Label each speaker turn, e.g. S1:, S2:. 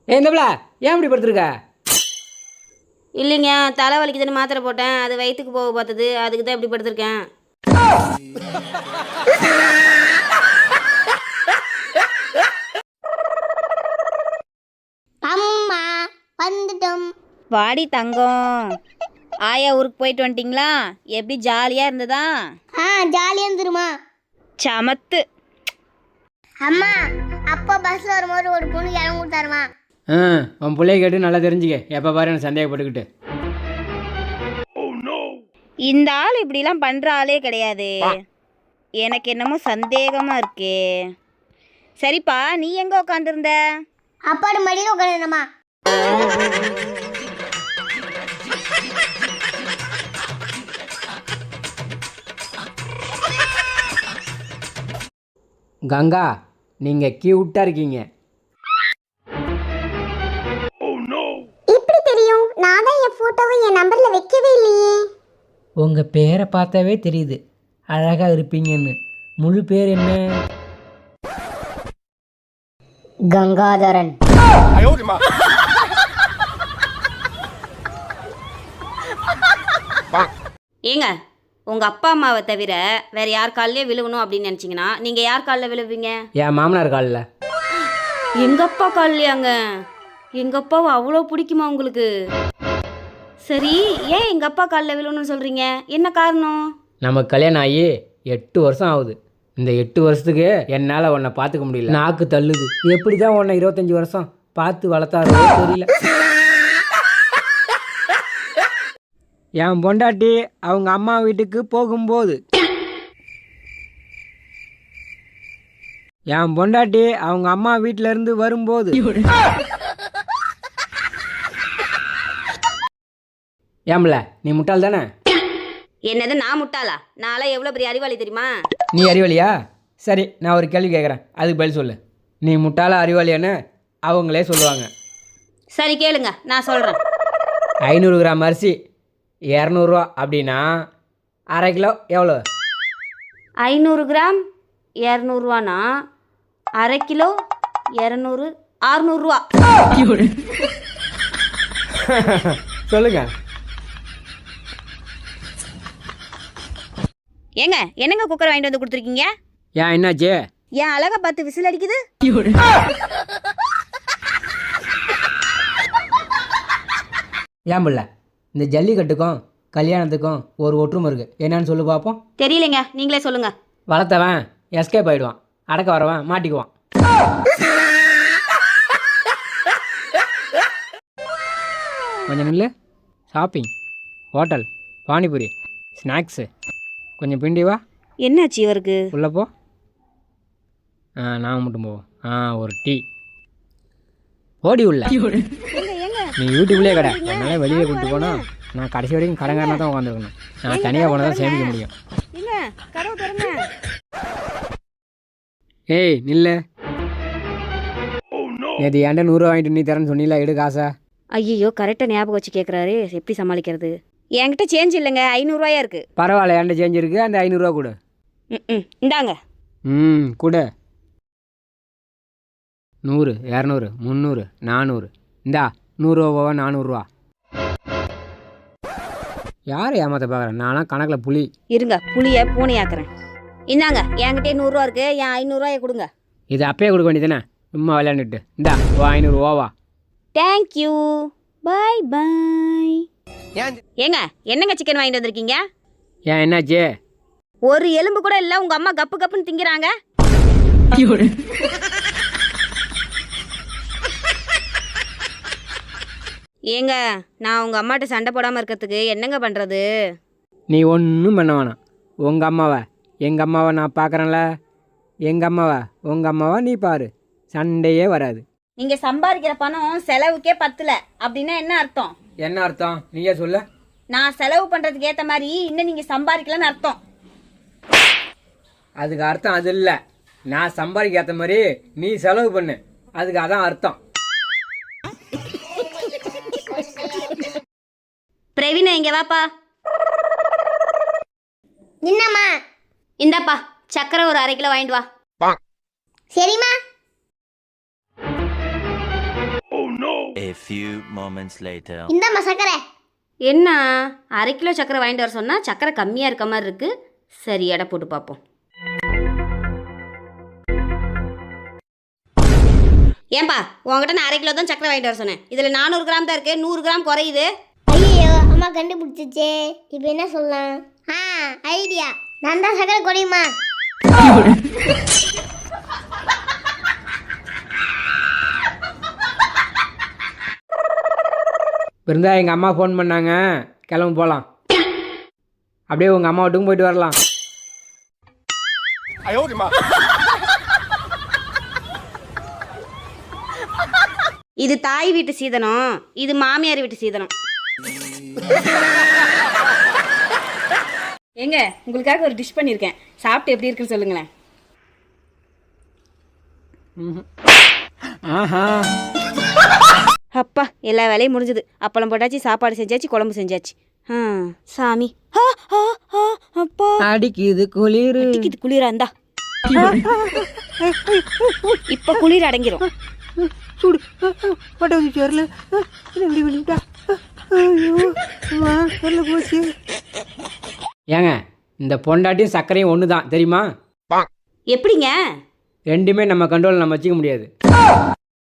S1: என்னப்ல ஏன் இப்படி படுத்துருக்க?
S2: இல்லைங்க, தலை வலிக்குதுன்னு மாத்திரை போட்டேன். அது வயிற்றுக்கு போக பார்த்தது, அதுக்கு தான் இப்படி படுத்திருக்கேன்.
S3: அம்மா வந்துட்டோம்.
S2: வாடி தங்கம். ஆயா ஊருக்கு போயிட்டு வந்துட்டிங்களா? எப்படி ஜாலியாக இருந்ததா?
S3: ஜாலியாக இருந்துருமா?
S2: சமத்து.
S3: அம்மா அப்பா பஸ்ஸில் வரும்போது ஒரு பொண்ணு இடம் கொடுத்தாருமா.
S1: உன் பிள்ளைய கேட்டு நல்லா தெரிஞ்சுக்க. எப்போ பாரு எனக்கு சந்தேகப்பட்டுக்கிட்டு.
S2: இந்த ஆள் இப்படிலாம் பண்ணுற ஆளே கிடையாது. எனக்கு என்னமோ சந்தேகமாக இருக்கே. சரிப்பா, நீ எங்கே உட்காந்துருந்த?
S3: அப்பாடு மடியில் உட்காந்துருந்தம்மா.
S1: கங்கா, நீங்கள் கியூட்டாக இருக்கீங்க.
S3: எப்படி தெரியும்? நான் தான் என் ஃபோட்டோவை என் நம்பரில் வைக்கவே இல்லையே.
S1: உங்கள் பேரை பார்த்தாவே தெரியுது அழகாக இருப்பீங்கன்னு. முழு பேர் என்ன?
S3: கங்காதரன்.
S2: ஏங்க, உங்கள் அப்பா அம்மாவை தவிர வேறு யார் காலிலே விழுகணும் அப்படின்னு நினச்சிங்கன்னா நீங்கள் யார் காலில் விழுவீங்க?
S1: என் மாமனார் காலில்.
S2: எங்கள் அப்பா காலிலையாங்க? எங்கள் அப்பாவை அவ்வளோ பிடிக்குமா உங்களுக்கு? சரி, ஏன் எங்கள் அப்பா காலில் விழுகணும்னு சொல்கிறீங்க? என்ன காரணம்?
S1: நமக்கு கல்யாணம் ஆகி 8 வருஷம் ஆகுது. இந்த 8 வருஷத்துக்கு என்னால் உன்னை பார்த்துக்க முடியல. நாக்கு தள்ளுது. எப்படி தான் உன்னை 25 வருஷம் பார்த்து வளர்த்தாரோ தெரியல. என் பொண்டாட்டி அவங்க அம்மா வீட்டுக்கு போகும்போது என் பொண்டாட்டி அவங்க அம்மா வீட்டிலேருந்து வரும்போது ஏம்ல நீ முட்டாள் தானே?
S2: என்னது நான் முட்டாளா? நான்லாம் எவ்வளோ பெரிய அறிவாளி தெரியுமா?
S1: நீ அறிவாளியா? சரி, நான் ஒரு கேள்வி கேட்குறேன், அதுக்கு பதில் சொல்லு. நீ முட்டாளா அறிவாளியான்னு அவங்களே சொல்லுவாங்க.
S2: சரி கேளுங்க, நான் சொல்கிறேன்.
S1: 500 கிராம் அரிசி 200 அப்படின்னா அரை கிலோ எவ்வளோ?
S2: 500 கிராம் 200 அரை கிலோ 200 600.
S1: சொல்லுங்க.
S2: ஏங்க, என்னங்க குக்கர் வாங்கிட்டு வந்து கொடுத்துருக்கீங்க?
S1: ஏன் என்னாச்சு?
S2: ஏன் அழகா பார்த்து விசில் அடிக்குது?
S1: ஏன் பிள்ளை, இந்த ஜல்லிக்கட்டுக்கும் கல்யாணத்துக்கும் ஒரு ஒற்றுமை இருக்குது. என்னன்னு சொல்லு பார்ப்போம்.
S2: தெரியலைங்க, நீங்களே சொல்லுங்க.
S1: வளர்த்தவன் எஸ்கேப் ஆகிடுவான், அடக்க வரவன் மாட்டிக்குவான். கொஞ்சம் நில்லு. ஷாப்பிங், ஹோட்டல், பானிபூரி, ஸ்நாக்ஸு, கொஞ்சம் பிண்டி வா.
S2: என்னாச்சு இவருக்கு?
S1: உள்ளே போ. நான் மட்டும் போவோம். ஒரு டீ ஓடி உள்ள. நீ யூடியூப்லேயே கடை, அதனால வெளியே கூப்பிட்டு போனால் நான் கடைசி வரைக்கும் கடங்காரனாக தான் உட்காந்துருக்கணும். நான் தனியாக போனால் தான் சேமிக்க முடியும். ஏய் நில்லு. நேற்று ஏன்டா 100 ரூபா வாங்கிட்டு நீ தரேன்னு சொன்னீங்களா? எடு காசா.
S2: ஐயோ, கரெக்டாக ஞாபகம் வச்சு கேட்குறாரு. எப்படி சமாளிக்கிறது? என்கிட்ட சேஞ்ச் இல்லைங்க, 500 ரூபாயா இருக்குது.
S1: பரவாயில்ல, ஏன்டா சேஞ்ச் இருக்குது. அந்த 500 ரூபா கொடு.
S2: இந்தாங்க.
S1: கொடு. 100 200 300 400. இந்தா 100 ரூபாவா 400 ரூபா. யார் ஏமாத்த பார்க்குறேன்? நான்லாம் கணக்கில் புலி.
S2: இருங்க, புளியை பூனையாக்குறேன். இந்தாங்க, என்கிட்டே 100 ரூபா இருக்குது. என் 500 ரூபாயை கொடுங்க.
S1: இது அப்பயே கொடுக்க வேண்டியதானே, சும்மா விளையாண்டுட்டு. இந்தா 500 ரூபாவா.
S2: Thank you, bye bye. ஏங்க, என்னங்க சிக்கன் வாங்கிட்டு வந்திருக்கீங்க?
S1: ஏன் என்னாச்சு?
S2: ஒரு எலும்பு கூட இல்லை, உங்கள் அம்மா கப்பு கப்புன்னு திங்கிறாங்க. ஏங்க, நான் உங்கள் அம்மாட்ட சண்டை போடாமல் இருக்கிறதுக்கு என்னங்க பண்ணுறது?
S1: நீ ஒன்றும் பண்ண வேணாம். உங்கள் அம்மாவை எங்கள் அம்மாவை நான் பார்க்குறேன்ல. எங்கள் அம்மாவை உங்கள் அம்மாவை நீ பாரு, சண்டையே வராது.
S2: நீங்கள் சம்பாதிக்கிற பணம் செலவுக்கே பத்தல அப்படின்னா என்ன அர்த்தம்?
S1: என்ன அர்த்தம் நீயே சொல்ல?
S2: நான் செலவு பண்ணுறதுக்கு ஏற்ற மாதிரி இன்னும் நீங்கள் சம்பாதிக்கலன்னு அர்த்தம்.
S1: அதுக்கு அர்த்தம் அது இல்லை. நான் சம்பாதிக்க ஏற்ற மாதிரி நீ செலவு பண்ணு, அதுக்கு அதான் அர்த்தம்.
S2: பிரவீனா, இங்கே வாப்பா.
S3: என்னம்மா?
S2: இந்தாப்பா, சக்கரை ஒரு 1/2 கிலோ வாங்கிட்டு வா.
S3: சரிம்மா.
S4: A few moments later.
S3: இந்தாம்மா சக்கரை.
S2: என்ன 1/2 கிலோ சக்கரை வாங்கிட்டு வர சொன்னால் சக்கரை கம்மியாக இருக்க மாதிரி இருக்குது. சரி எடை போட்டு பார்ப்போம். ஏன்பா உங்ககிட்ட நான் 1/2 கிலோ தான் சக்கரை வாங்கிட்டு வர சொன்னேன். இதில் 400 கிராம் தான் இருக்குது, 100 கிராம் குறையுது.
S3: ஐயோ அம்மா கண்டுபிடிச்சிச்சே. இப்போ என்ன சொல்லலாம்? ஐடியா. நான் தான் சக்கரை குறையுமா?
S1: இருந்தா எங்கள் அம்மா ஃபோன் பண்ணாங்க, கிளம்பு போகலாம். அப்படியே உங்கள் அம்மா வீட்டுக்கும் போயிட்டு வரலாம்.
S2: இது தாய் வீட்டு சீதனம், இது மாமியார் வீட்டு சீதனம். ஏங்க உங்களுக்காக ஒரு டிஷ் பண்ணியிருக்கேன், சாப்பிட்டு எப்படி இருக்குன்னு சொல்லுங்களேன்.
S1: ஆஹா,
S2: அப்பா எல்லா வேலையும் முடிஞ்சது. அப்பளம் போட்டாச்சு, சாப்பாடு செஞ்சாச்சு, குழம்பு செஞ்சாச்சு. சாமி அப்பா
S1: அடிக்குது குளிர்.
S2: இது குளிரா இருந்தா இப்ப குளிர் அடங்கிரும்.
S1: சுடு பட்டாச்சு வரல. எப்படி பண்ணிட்டா? வரல போச்சு. ஏங்க இந்த பொண்டாட்டியும் சர்க்கரையும் ஒன்று தான் தெரியுமா?
S2: எப்படிங்க?
S1: ரெண்டுமே நம்ம கண்ட்ரோல் நம்ம வச்சுக்க முடியாது.